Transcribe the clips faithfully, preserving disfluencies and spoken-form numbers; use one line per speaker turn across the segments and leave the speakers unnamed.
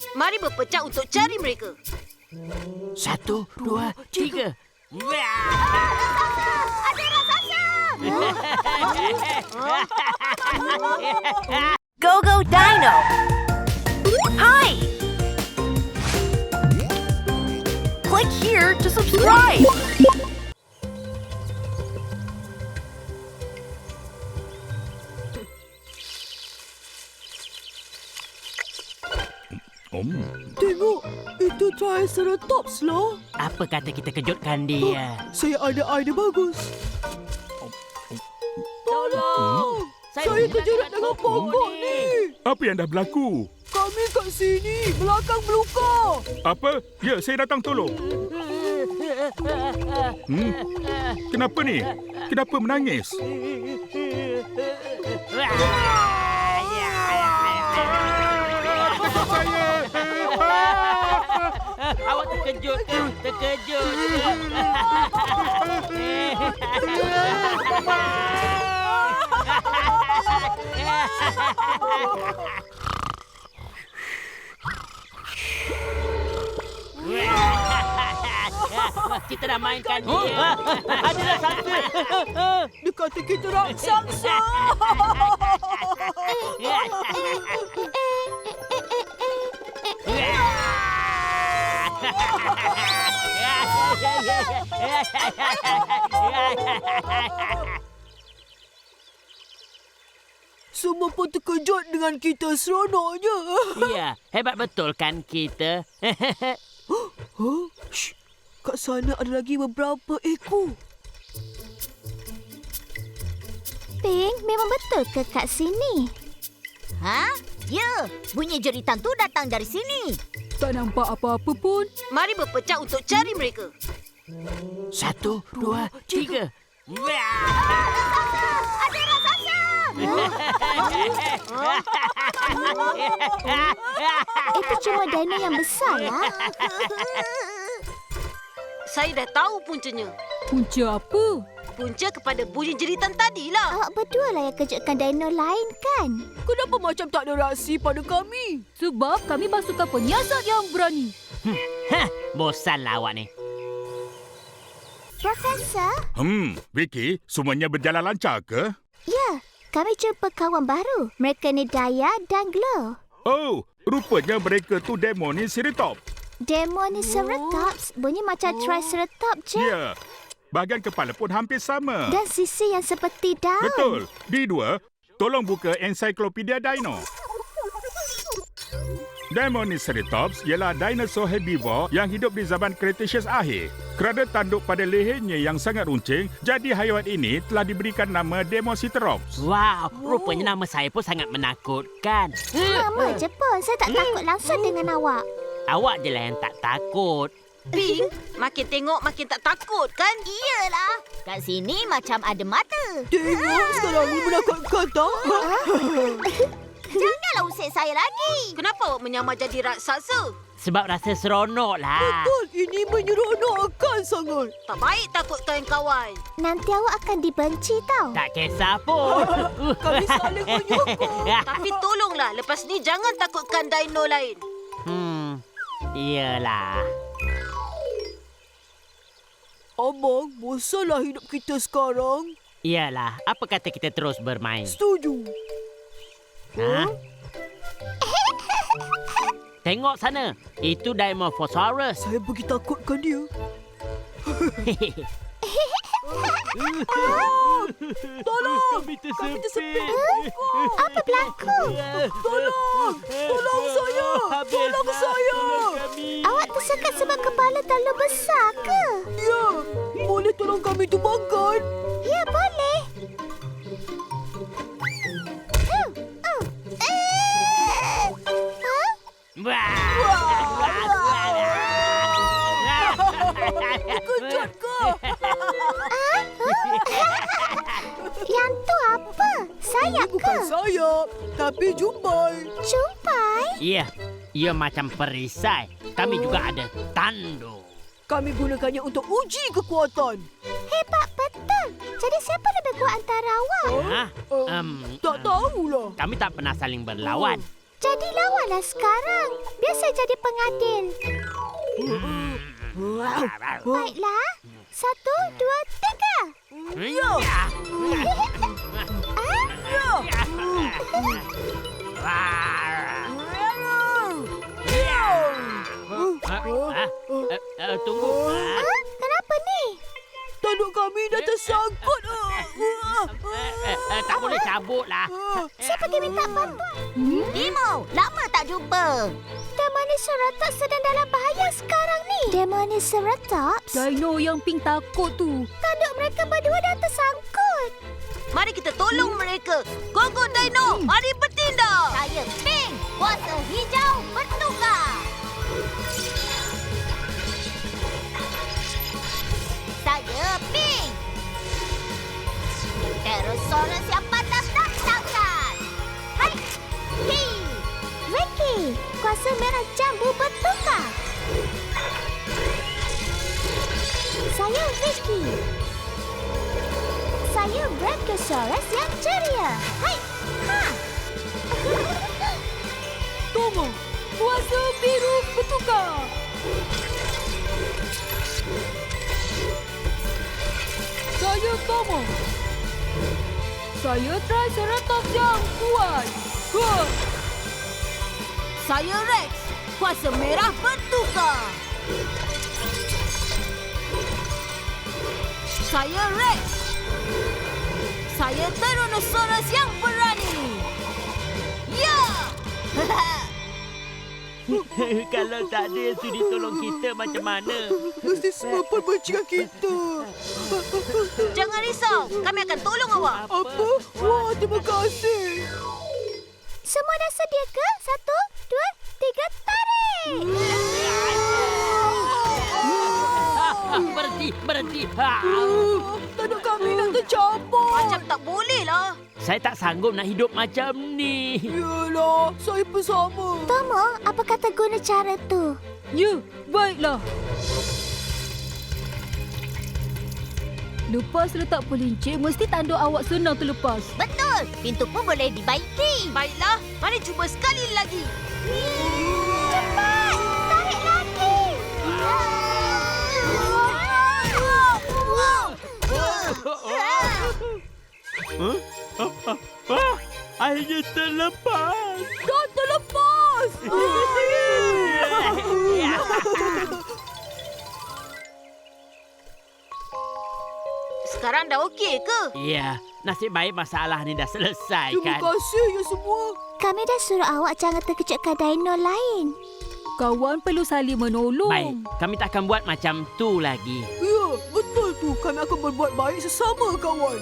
Mari berpecah untuk cari mereka.
Satu, dua, tiga.
Ada raksasa!
Go Go Dino! Hi! Click here to subscribe!
Tengok, itu Triceratops lah.
Apa kata kita kejutkan dia?
Saya ada idea bagus.
Tolong!
Saya terjerat dengan pokok ni.
Apa yang dah berlaku?
Kami kat sini, belakang meluka.
Apa? Ya, saya datang tolong. Hmm? Kenapa ni? Kenapa menangis?
Awak terkejut ke? Terkejut. Kita dah mainkan dia. Ada raksasa.
Dia kata kita raksasa. Semua pun terkejut dengan kita seronoknya.
Ya, hebat betul kan kita?
Huh? Shh. Kat sana ada lagi beberapa ekor.
Ping, memang betul ke kat sini? Ha? Ya, bunyi jeritan tu datang dari sini.
Tak nampak apa-apa pun.
Mari berpecah untuk cari mereka.
Satu, dua, tiga.
Ada raksasa! Itu cuma dino yang besar lah.
Saya dah tahu puncanya.
Punca apa?
Punca kepada bunyi jeritan tadilah.
Awak berdua lah yang kejutkan dino lain kan?
Kenapa macam tak ada reaksi pada kami? Sebab kami pasukan penyiasat yang berani.
Hah, bosanlah awak ni.
Profesor?
Hmm, Vicky, semuanya berjalan lancar ke?
Ya, kami jumpa kawan baru. Mereka ni Daya dan Glow.
Oh, rupanya mereka tu Demonoceratops.
Demonoceratops bunyi macam Triceratops je.
Ya, bahagian kepala pun hampir sama.
Dan sisi yang seperti daun.
Betul. D dua, tolong buka ensiklopedia dino. Demonoceratops ialah dinosaur herbivore yang hidup di zaman Cretaceous akhir. Kerana tanduk pada lehernya yang sangat runcing, jadi haiwan ini telah diberikan nama Demonoceratops.
Wow, rupanya nama saya pun sangat menakutkan.
Nama je pun. Saya tak takut langsung dengan awak.
Awak je lah yang tak takut.
Ping, makin tengok makin tak takut kan?
Iyalah. Kat sini macam ada mata.
Tengok, sekarang ni menakutkan tak?
Janganlah usik saya lagi.
Kenapa awak menyamar jadi raksasa?
Sebab rasa seronok lah.
Betul, ini menyeronokkan sangat.
Tak baik takutkan kawan.
Nanti awak akan dibenci tau.
Tak kisah pun.
Kami saling menyokong.
Tapi tolonglah, lepas ni jangan takutkan dino lain.
Hmm, iyalah.
Abang, bosanlah hidup kita sekarang.
Iyalah, apa kata kita terus bermain?
Setuju.
Ha? Tengok sana. Itu Dimorphosaurus.
Saya pergi takutkan dia. Tolong!
Kami tersepit.
Apa berlaku?
Tolong! Tolong saya! Tolong saya!
Awak tersekat sebab kepala terlalu besar ke?
Ya, boleh tolong kami tumbangkan?
Ya, boleh. Uh, uh. Eh. Huh?
Kejut ke?
Yang tu apa? Sayap
Ini bukan
ke?
sayap, tapi jumbai.
Jumpai?
Ya, ia macam perisai. Kami juga ada tanduk.
Kami gunakannya untuk uji kekuatan.
Hebat betul. Jadi siapa lebih kuat antara awak?
Ha?
Uh,
Um,
tak tahulah.
Kami tak pernah saling berlawan.
Jadi lawanlah sekarang. Biar saya jadi pengadil. Baiklah. Satu, dua, tiga.
Ya. Tunggu.
Ah, kenapa ni?
Tanduk kami dah tersangkut.
Eh, eh, tak boleh cabut lah.
Saya pergi minta bantuan.
Timo, lama tak jumpa.
Demonoceratops sedang dalam bahaya sekarang ni. Demonoceratops?
Dino yang Pink takut tu.
Tanduk mereka berdua dah tersangkut.
Mari kita tolong mereka. Go, go, Dino. Mari bertindak.
Saya Pink, kuasa hijau bertukar. Saya Pink. Pterosaurus yang panas dan tangkas. Hai, Hi. Ricky, kuasa merah jambu bertukar. Saya Ricky. Saya Brachiosaurus yang ceria. Hai, ha.
Tomo, kuasa biru bertukar. Saya Tomo. Saya Triceratops yang kuat. Ha!
Saya Rex. Kuasa merah bertukar. Saya Rex. Saya Tyrannosaurus yang berani. Ya!
Kalau tak ada yang sudi tolong kita macam mana?
Mesti semua pun benci kita.
Jangan risau. Kami akan tolong awak.
Apa? Wah, terima kasih.
Semua dah sedia ke? Satu, dua, tiga, tarik!
Berhenti, berhenti. Ha.
Tanduk kami nak tercampur.
Macam tak boleh lah.
Saya tak sanggup nak hidup macam ni.
Yalah, saya pun sama.
Tomo, apa kata guna cara tu?
Ya, baiklah. Lepas letak pelincir, mesti tanduk awak senang terlepas.
Betul, pintu pun boleh dibaiki.
Baiklah, mari cuba sekali lagi.
Cepat, tarik lagi.
Ah, akhirnya terlepas.
Dah terlepas.
Sekarang dah okey ke?
Ya, nasib baik masalah ni dah selesai
Terima
kan.
kasih ya semua.
Kami dah suruh awak jangan terkejutkan dino lain.
Kawan perlu saling menolong.
Baik, kami tak akan buat macam tu lagi.
Ya, betul tu. Kami akan berbuat baik sesama kawan.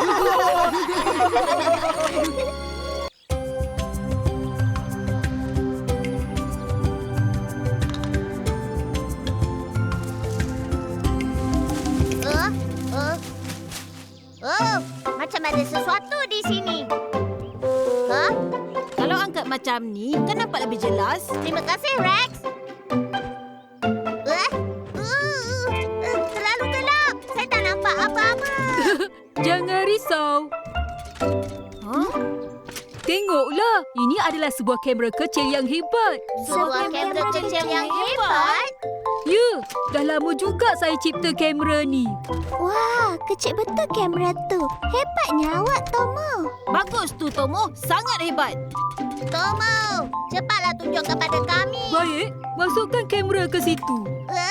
Uh, uh. Oh, macam ada sesuatu di sini. Huh?
Kalau angkat macam ni, kan nampak lebih jelas.
Terima kasih, Rex. Uh, uh, uh, terlalu gelap. Saya tak nampak apa-apa.
Jangan risau.
Huh?
Tengoklah, ini adalah sebuah kamera kecil yang hebat.
Sebuah kamera kecil yang hebat.
Ya, dah lama juga saya cipta kamera ni.
Wah, kecil betul kamera tu. Hebatnya awak, Tomo.
Bagus tu, Tomo. Sangat hebat.
Tomo, cepatlah tunjuk kepada kami.
Baik, masukkan kamera ke situ.
Uh,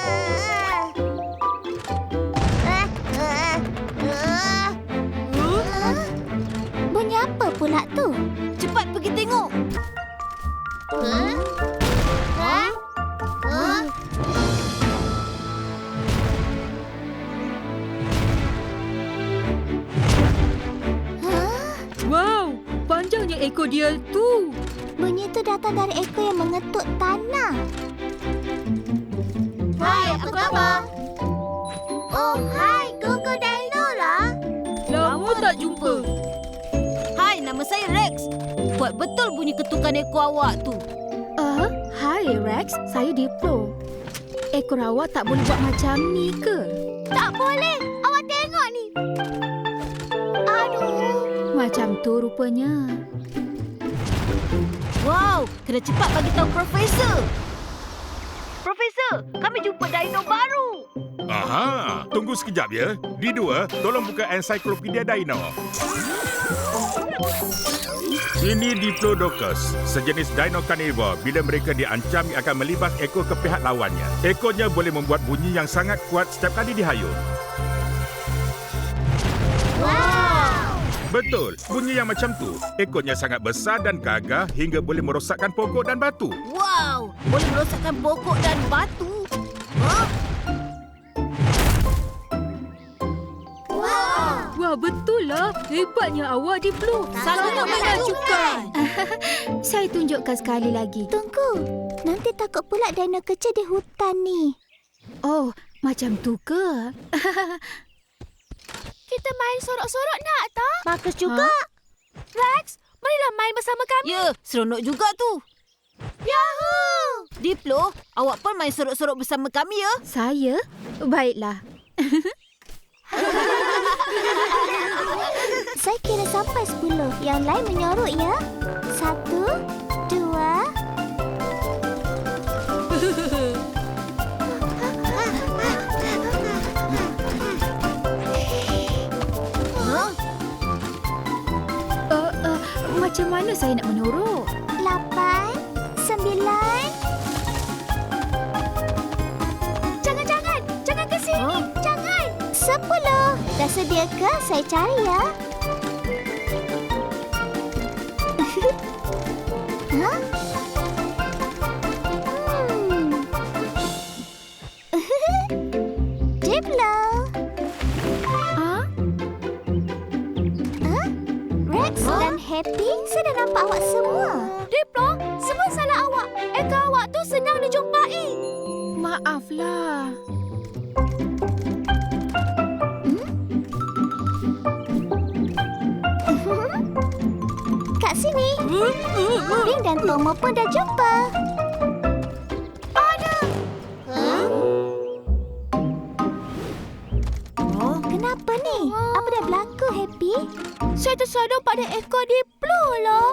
uh, uh, uh. Uh, bunyi apa pula tu?
Cepat pergi tengok.
Huh? Huh? Huh? Huh?
Wow, panjangnya ekor dia tu.
Bunyi itu datang dari ekor yang mengetuk tanah. Hai, apa khabar? Oh, hai, Gogo Dino lah.
Lama tak jumpa.
Hai, nama saya Rex. Kuat betul bunyi ketukan ekor awak tu.
Ah, uh, hai Rex, saya Diplo. Ekor awak tak boleh buat macam ni ke?
Tak boleh. Awak tengok ni. Aduh.
Macam tu rupanya.
Wow, kena cepat bagi tahu Profesor. Profesor, kami jumpa dino baru.
Aha, tunggu sekejap ya. Di dua, tolong buka ensiklopedia dino. Ini Diplodocus, sejenis dino karnivor. Bila mereka diancam, ia akan melibas ekor ke pihak lawannya. Ekornya boleh membuat bunyi yang sangat kuat setiap kali dihayun.
Wow!
Betul, bunyi yang macam tu. Ekornya sangat besar dan gagah hingga boleh merosakkan pokok dan batu.
Wow, boleh merosakkan pokok dan batu. Huh?
Wah, betul lah. Hebatnya awak, Diplo.
Salah nak
lakukan. Saya tunjukkan sekali lagi.
Tunggu. Nanti takut pula dino kecil di hutan ni.
Oh, macam tu ke?
Kita main sorok-sorok nak tak?
Bagus juga.
Ha?
Rex, marilah main bersama kami.
Ya, seronok juga tu.
Yahoo!
Diplo, awak pun main sorok-sorok bersama kami ya.
Saya? Baiklah.
Saya kira sampai sepuluh. Yang lain menyorok ya. Satu, dua.
Huh?
Uh, uh, macam mana saya nak menyorok?
Lapan, sembilan. Jangan, jangan. Jangan ke sini.
Huh?
Jangan. Sepuluh. Dah sedia ke? Saya cari ya. Hah? Hmm. Diplo.
Ha?
Huh? Rex dan Happy, saya dah nampak awak semua. Diplo, semua salah awak. Ekor awak tu senang dijumpai.
Maaflah.
Kat sini. Bing dan Tomo pun dah jumpa. Ada. Huh?
Oh,
Kenapa ni? Apa dah berlaku, Happy? Saya tersadar pada ekor Diplo lah.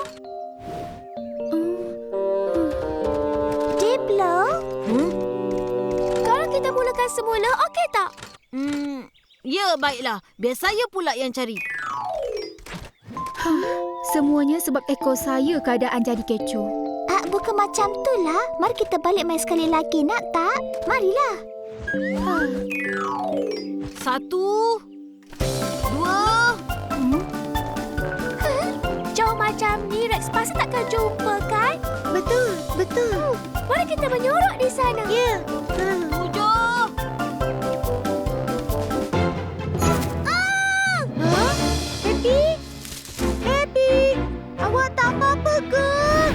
Diplo?
hmm?
Kalau kita mulakan semula, okey tak?
Hmm, ya, baiklah. Biar saya pula yang cari.
Semuanya sebab ekor saya keadaan jadi kecoh.
Ah, bukan macam tu lah. Mari kita balik main sekali lagi, nak tak? Marilah.
Satu, dua.
Hmm? Huh? Jauh macam ni, Rex pasti takkan jumpa, kan? Betul, betul. Mari kita menyorok di sana. Ya.
Tujuh.
Ah! Huh? Happy? Happy? Awak tak apa-apa ke?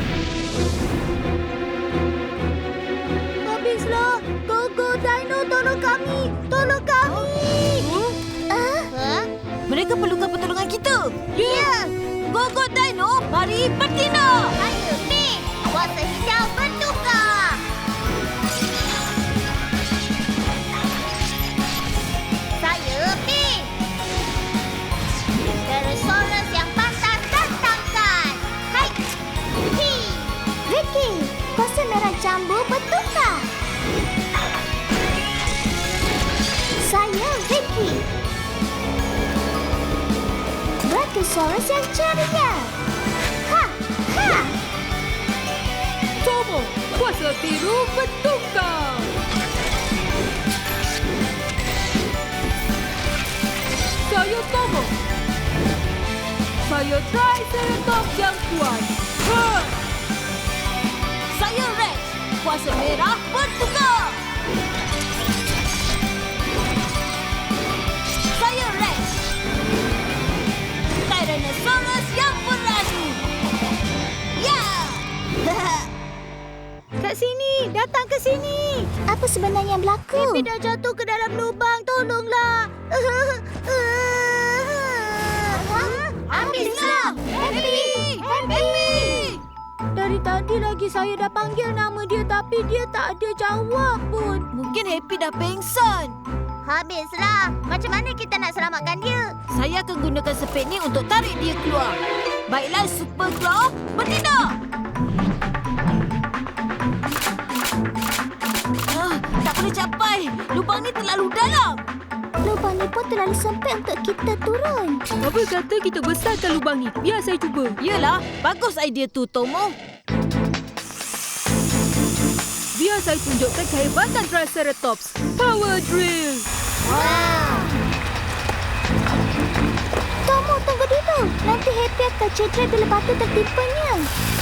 Habislah. Go, go, Dino. Tolong kami. Tolong kami. Ah? Huh?
Mereka perlukan pertolongan kita.
Ya.
Go, go, Dino. Mari bertindak.
Ayo, Pink. Kuasa hijau bertukar. Saya Pink. Pterosaurus yang pantas datangkan. Hai. Hi. Vicky, kuasa merah jambu bertukar. Saya Vicky. Brachiosaurus yang ceria. Ha, ha.
Tomo, kuasa biru bertukar. Saya Tomo. Saya Triceratops yang kuat. Ha!
Saya Rex. Kuasa merah bertukar. Saya Rex. Tyrannosaurus yang berani. Ya!
Kat sini, datang ke sini.
Apa sebenarnya yang berlaku?
Happy dah jatuh ke dalam lubang. Tolonglah.
Habislah. Happy. Happy.
Dari tadi lagi saya dah panggil nama dia tapi dia tak ada jawab pun. Mungkin Happy dah pengsan. Habislah. Macam mana kita nak selamatkan dia?
Saya akan gunakan sepet ni untuk tarik dia keluar. Baiklah, Super Claw, bertindak! Ah, tak boleh capai. Lubang ni terlalu dalam.
Lubang ni pun terlalu sempit untuk kita turun.
Apa kata kita besarkan lubang ni? Biar saya cuba. Yelah, bagus idea tu, Tomo. Biar saya tunjukkan kehebatan Triceratops. Power Drill!
Wow. Tomo, tunggu dulu. Nanti Happy akan cedera bila batu tertimpanya.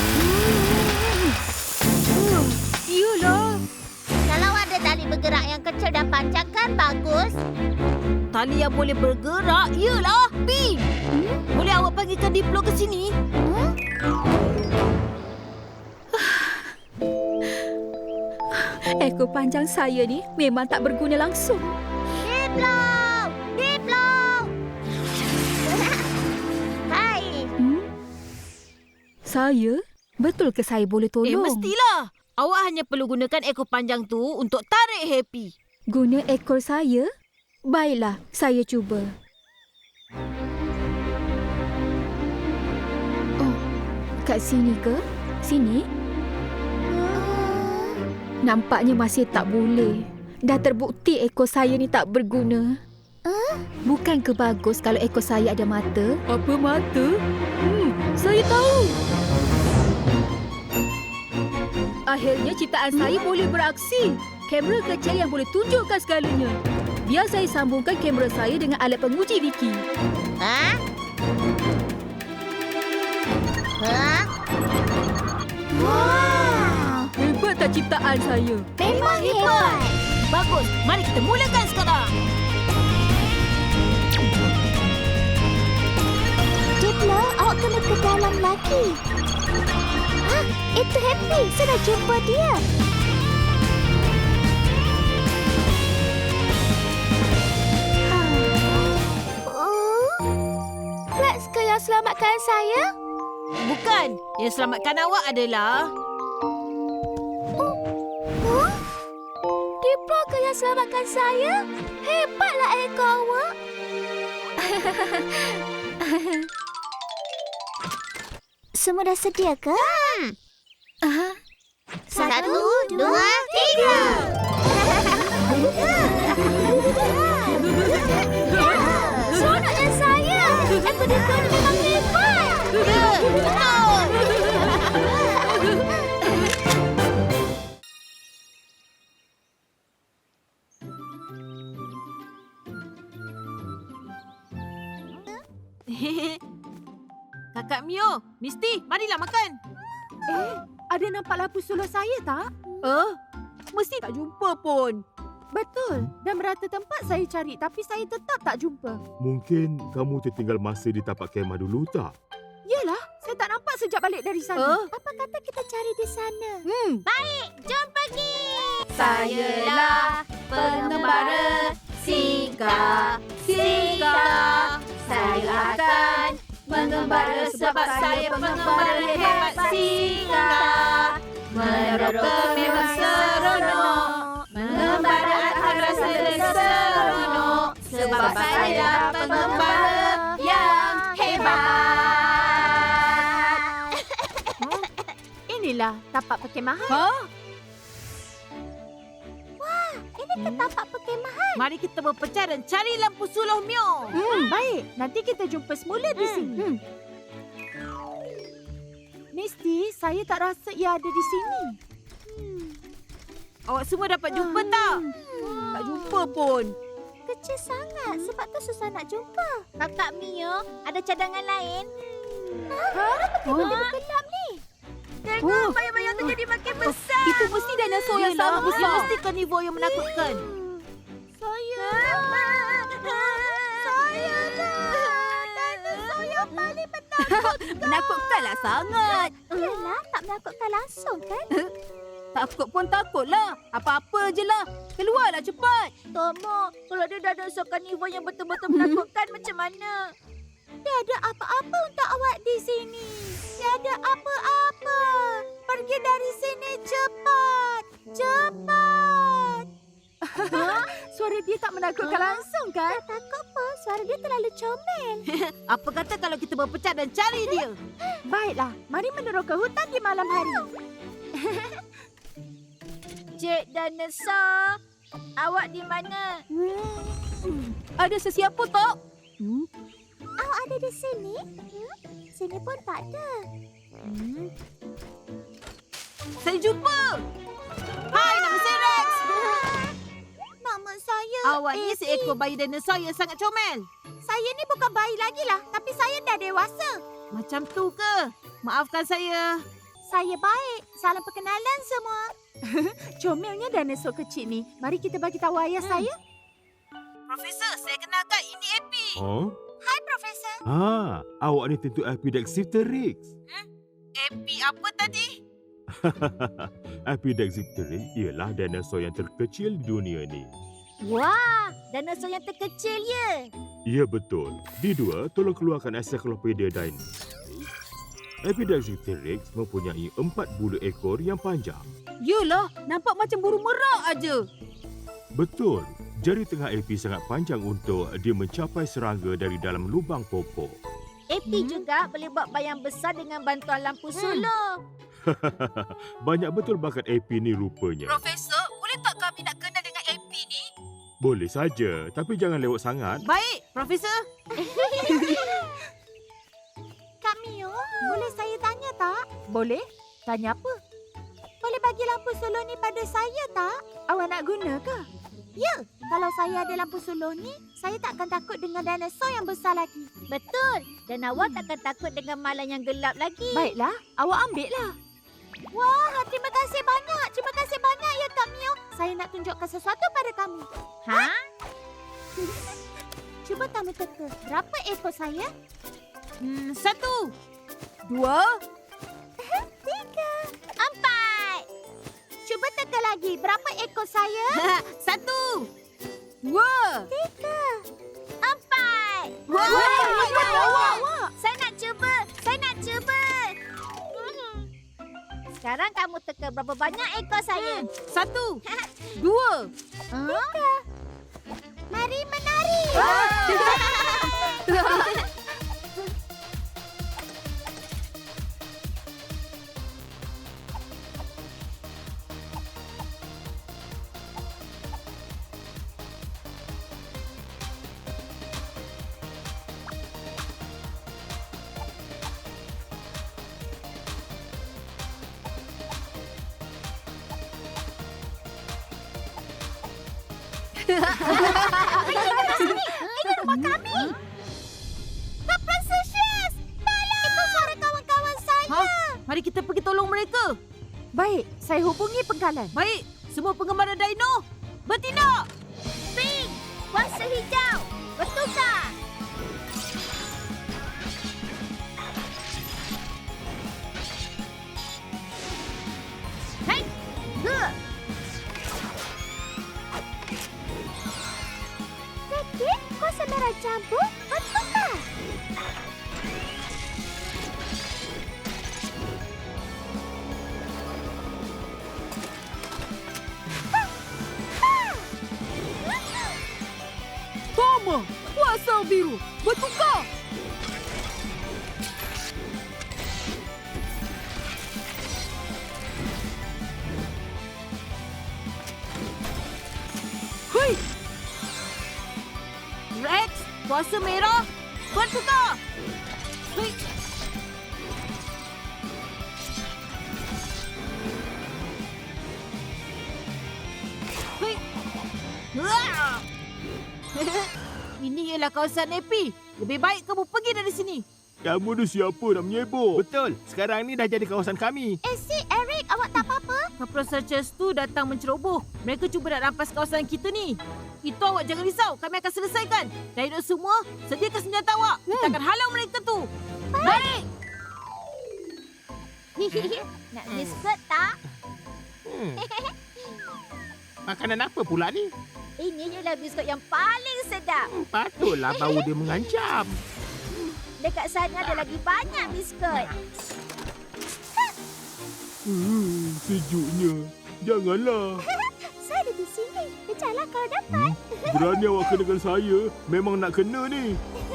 Hmm. Iyalah.
Kalau ada tali bergerak yang kecil dan panjang kan bagus.
Tali yang boleh bergerak, iyalah. Pin! Hmm? Boleh awak panggilkan Diplo ke sini?
Hmm?
Ekor panjang saya ni memang tak berguna langsung.
Diplo! Diplo! Hai.
Hmm? Saya? Betul ke saya boleh tolong?
Eh, mestilah. Awak hanya perlu gunakan ekor panjang tu untuk tarik Happy.
Guna ekor saya? Baiklah, saya cuba. Oh, kat sini ke? Sini? Nampaknya masih tak boleh. Dah terbukti ekor saya ni tak berguna.
Huh?
Bukan ke bagus kalau ekor saya ada mata? Apa mata? Hmm, saya tahu. Akhirnya ciptaan saya boleh beraksi. Kamera kecil yang boleh tunjukkan segalanya. Biar saya sambungkan kamera saya dengan alat penguji Vicky.
Ha? Ha?
Wow.
Hebat tak ciptaan saya?
Memang hebat.
Bagus, mari kita mulakan sekarang.
Diplo, awak kena ke dalam lagi. Hah, itu Happy. Saya dah jumpa dia. Rex ke yang selamatkan saya?
Bukan, yang selamatkan awak adalah...
Huh? Diplo ke yang selamatkan saya? Hebatlah ekor awak. Semua dah sedia ke?
Hmm.
Aha.
Satu, dua, tiga.
Seronoknya saya. Ekor Diplo ni memang hebat.
Betul.
Kakak Mio, Misty, marilah makan.
Eh, ada nampak lampu solar saya tak? Eh, mesti tak jumpa pun. Betul. Dan merata tempat saya cari tapi saya tetap tak jumpa.
Mungkin kamu tertinggal masa di tapak kemah dulu tak?
Yelah, saya tak nampak sejak balik dari sana.
Oh. Apa kata kita cari di sana?
Hmm.
Jom pergi.
Sayalah pengembara Singa, Singa. Saya akan mengembara sebab saya pengembara hebat Singa. Meroka memang seronok, mengembara akan rasa seronok sebab saya pengembara yang hebat.
Inilah tapak perkemahan. Ha?
Ini ke tapak perkemahan.
Mari kita berpecah dan cari lampu suluh Mio.
Hmm, baik. Nanti kita jumpa semula di sini. Hmm. Misty, saya tak rasa ia ada di sini.
Awak semua dapat jumpa tak?
Hmm. Tak jumpa pun.
Kecil sangat. Sebab tu susah nak jumpa.
Kakak Mio, ada cadangan lain?
Ha? Benda bergelap ni.
Tengok, bayang-bayang tu jadi makin besar.
Itu mesti dinosaur yang sama
Yelah,
besar.
ia mesti karnivor yang menakutkan.
Saya. Saya dah. Dinosaur yang paling menakutkan.
Menakutkanlah sangat.
Yelah, tak menakutkan langsung kan?
Takut pun takutlah. Apa-apa je lah. Keluarlah cepat.
Tomo, kalau dia dinosaur karnivor yang betul-betul menakutkan macam mana?
Tiada apa-apa untuk awak di sini. Tiada apa-apa. Pergi dari sini cepat. Cepat.
Suara suara dia tak menakutkan langsung kan?
Tak takut pun. Suara dia terlalu comel.
Apa kata kalau kita berpecat dan cari dia?
Baiklah, mari menurut ke hutan di malam hari.
Cik Dinosaur, awak di mana?
Hmm. Ada sesiapa tak? Hmm?
Awak ada di sini? Hmm? Sini pun tak ada.
Hmm.
Saya jumpa. Hai, nama saya Rex.
Nama saya
Awak ni
Abby.
seekor bayi dinosaur yang sangat comel.
Saya ni bukan bayi lagi lah, tapi saya dah dewasa.
Macam tu ke? Maafkan saya.
Saya baik. Salam perkenalan semua.
Comelnya dinosaur kecil ni. Mari kita bagi tahu ayah
Hmm.
saya.
Profesor, saya kenalkan ini Epi.
Oh?
Hai, Profesor.
Ah, awak ni tentu Epidexipteryx.
Epi apa tadi?
Epidexipteryx ialah dinosaur yang terkecil di dunia ni.
Wah, dinosaur yang terkecil ya.
Ya betul. Di dua, tolong keluarkan Encyclopedia Dino. Epidexipteryx mempunyai empat bulu ekor yang panjang.
Yelah, nampak macam burung merak aja.
Betul. Jari tengah Epi sangat panjang untuk dia mencapai serangga dari dalam lubang pokok.
Epi
Hmm.
juga boleh buat bayang besar dengan bantuan lampu sulur.
Banyak betul bakat Epi ni rupanya.
Profesor, boleh tak kami nak kenal dengan Epi ni?
Boleh saja, tapi jangan lewat sangat.
Baik, Profesor.
Kak Mio, boleh saya tanya tak?
Boleh? Tanya apa?
Boleh bagi lampu sulur ni pada saya tak?
Awak nak guna ke?
Ya, kalau saya ada lampu sulur ni, saya tak akan takut dengan dinosaur yang besar lagi. Betul. Dan awak tak akan takut dengan malam yang gelap lagi.
Baiklah, awak ambil lah.
Wah, terima kasih banyak. Terima kasih banyak ya Kak Mio. Saya nak tunjukkan sesuatu pada kamu. Ha? Cuba kamu teka. Berapa ekor saya?
Hmm, satu.
Dua.
Tiga. Empat. Cuba teka lagi. Berapa ekor saya?
Satu.
Dua.
Tiga. Empat.
Wah, awak, awak, awak.
Saya nak cuba. Saya nak cuba. Hmm. Sekarang kamu teka berapa banyak ekor saya.
Satu. Dua.
Tiga. Mari menari. Ini rumah kami. Kak Precious, tolong. Itu suara kawan-kawan saya.
Ha? Mari kita pergi tolong mereka.
Baik, saya hubungi penggalan.
Baik, semua penggemar dino, bertindak.
Pink, kuasa hijau, bertukar. Hai, dua. Sedikit, kuasa merah campur, bertukar.
Toma, kuasa biru, bertukar.
Hui. Rex, kuasa merah, bertukar. Hui. Hui. Wah. Ini ialah kawasan Epi. Lebih baik kamu pergi dari sini.
Kamu ni siapa nak menyebut?
Betul. Sekarang ni dah jadi kawasan kami.
Eh, si Eric, awak tak apa-apa?
Kapal Searchers tu datang menceroboh. Mereka cuba nak rampas kawasan kita ni. Itu awak jangan risau. Kami akan selesaikan. Dino semua, sediakan senjata awak. Kita akan halau mereka tu. Baik.
Nak biskut tak?
Hmm. Makanan apa pula ni?
Ini ialah biskut yang paling sedap.
Hmm, patutlah bau dia mengancam.
Dekat sana ada lagi banyak biskut.
Hmm, sejuknya. Janganlah.
Saya ada di sini. Kejarlah kalau dapat.
Berani awak kenakan saya. Memang nak kena ni.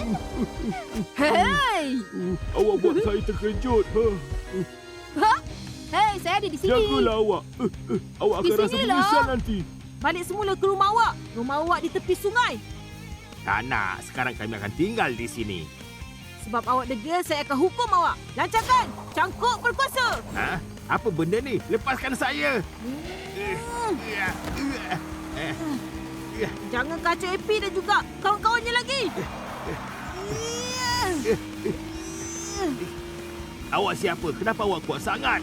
Hei!
Uh, awak buat saya terkejut. Ha.
Hei, saya ada di sini.
Jagalah awak. Uh, uh, awak
Di
akan rasa
sinilah.
menyesal nanti.
Balik semula ke rumah awak. Rumah awak di tepi sungai.
Tak nak. Sekarang kami akan tinggal di sini.
Sebab awak degil, saya akan hukum awak. Lancarkan. Cangkuk berkuasa.
Ha? Apa benda ni? Lepaskan saya.
Jangan kacau Epi dan juga kawan-kawannya lagi.
Awak siapa? Kenapa awak kuat sangat?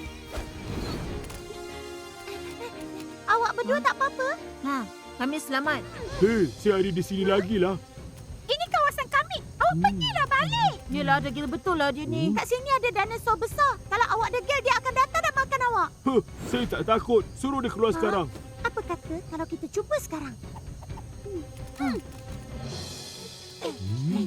Awak berdua tak apa-apa?
Ha, kami selamat.
Hei, saya ada di sini lagi lah.
Ini kawasan kami. Awak pergilah balik.
Yelah, degil betul lah dia ni.
Kat sini ada dinosaur besar. Kalau awak degil, dia akan datang dan makan awak.
Huh, saya tak takut. Suruh dia keluar sekarang.
Apa kata kalau kita cuba sekarang? Hmm. Hmm.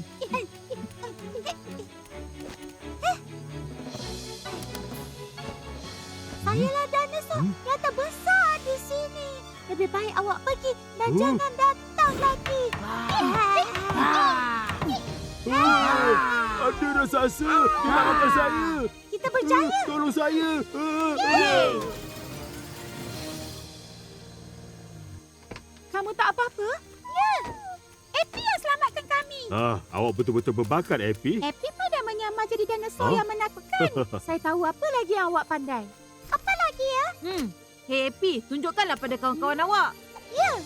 Sayalah dinosaur yang terbesar di sini. Lebih baik awak pergi dan
Hmm.
jangan datang lagi.
Oh, ada raksasa. Dia nak makan saya.
Kita berjaya.
Uh, tolong saya. Uh,
Yeay.
Kamu tak apa-apa?
Ya. Epi yang selamatkan kami.
Ah, awak betul-betul berbakat, Epi.
Epi pada menyamar jadi dinosaur
Huh?
yang menakutkan. Saya tahu apa lagi yang awak pandai. Apa lagi ya?
Hmm. Hei Epi, tunjukkanlah pada kawan-kawan awak.
Ya.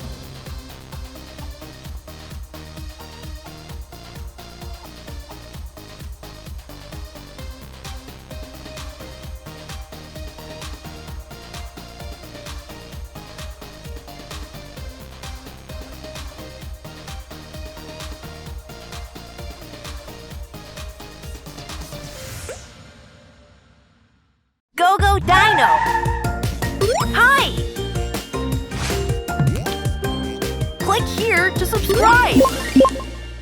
Go Go Dino! Hi! Click here to subscribe!